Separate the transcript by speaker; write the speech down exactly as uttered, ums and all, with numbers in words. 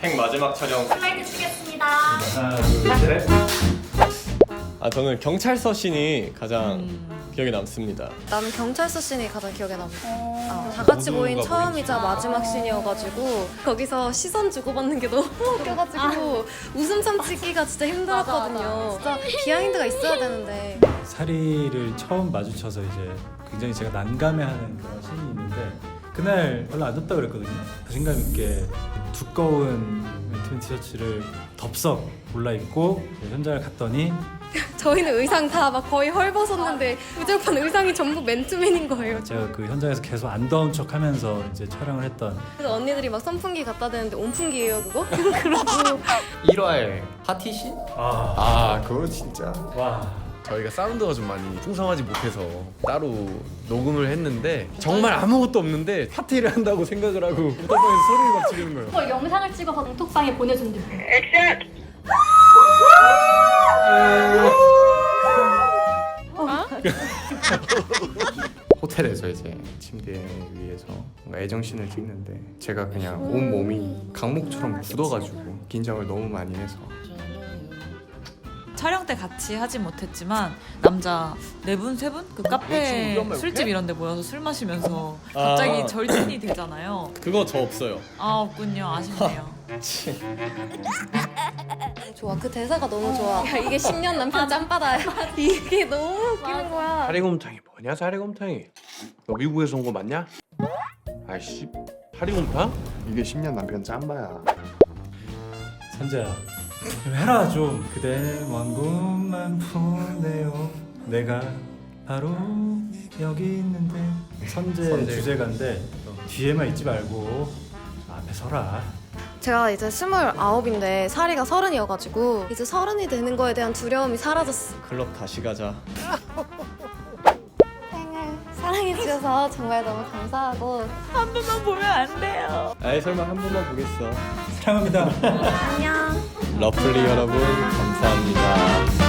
Speaker 1: 행 마지막 촬영.
Speaker 2: 슬라이드 치겠습니다.
Speaker 3: 하나, 둘, 셋.
Speaker 1: 아 저는 경찰서 씬이 가장
Speaker 4: 음.
Speaker 1: 기억에 남습니다.
Speaker 5: 나는 경찰서 씬이 가장 기억에 남아.
Speaker 2: 어...
Speaker 5: 아, 다 같이 모인
Speaker 1: 모두가
Speaker 5: 처음이자 마지막 씬이어가지고 거기서 시선 주고받는 게 너무 웃겨가지고 웃음 참치기가 진짜 힘들었거든요. 진짜 비하인드가 있어야 되는데.
Speaker 3: 사리를 처음 마주쳐서 이제 굉장히 제가 난감해하는 그런 씬이 있는데 그날 별로 안 덥다 그랬거든요. 자신감 있게 두꺼운 멘트맨 티셔츠를 덥석 골라 입고 현장을 갔더니
Speaker 5: 저희는 의상 다 막 거의 헐벗었는데 무조건 의상이 전부 맨투맨인 거예요.
Speaker 3: 제가 그 현장에서 계속 안 더운 척하면서 이제 촬영을 했던
Speaker 5: 그래서 언니들이 막 선풍기 갖다 대는데 온풍기예요 그거? 그러고
Speaker 6: 일 화에 파티신?
Speaker 3: 아,
Speaker 6: 아 그거 진짜
Speaker 3: 와
Speaker 6: 저희가 사운드가 좀 많이 풍성하지 못해서 따로 녹음을 했는데 정말 아무것도 없는데 파티를 한다고 생각을 하고 우타방에서 소리를 막 지르는 거예요.
Speaker 2: 그걸 영상을 찍어서 단톡방에 보내준대요.
Speaker 6: 호텔에서 이제 침대 위에서 뭔가 애정씬을 찍는데 제가 그냥 온 몸이 강목처럼 굳어가지고 긴장을 너무 많이 해서
Speaker 4: 촬영 때 같이 하진 못했지만 남자 네 분, 세 분? 그 카페, 술집 이런 데 모여서 술 마시면서 갑자기
Speaker 1: 아.
Speaker 4: 절친이 되잖아요.
Speaker 1: 그거 저 없어요.
Speaker 4: 아 없군요. 아쉽네요.
Speaker 5: 좋아 그 대사가 너무 좋아. 야, 이게 십 년 남편 짬바다야. 이게 너무 웃기는 거야.
Speaker 7: 사리곰탕이 뭐냐 사리곰탕이 너 미국에서 온 거 맞냐? 아이씨 사리곰탕?
Speaker 8: 이게 십 년 남편 짬바야.
Speaker 3: 선재야 좀 해라 좀 그대 먼 곳만 보내요 내가 바로 여기 있는데 선재,
Speaker 6: 선재.
Speaker 3: 주제가인데 뒤에만 있지 말고 앞에 서라.
Speaker 5: 제가 이제 스물아홉인데 사리가 서른이어가지고 이제 서른이 되는 거에 대한 두려움이 사라졌어.
Speaker 1: 클럽 다시 가자.
Speaker 5: 생을 사랑해주셔서 정말 너무 감사하고
Speaker 4: 한 번만 보면 안 돼요.
Speaker 1: 아이 설마 한 번만 보겠어.
Speaker 3: 사랑합니다.
Speaker 5: 안녕.
Speaker 1: 러플리 여러분 감사합니다.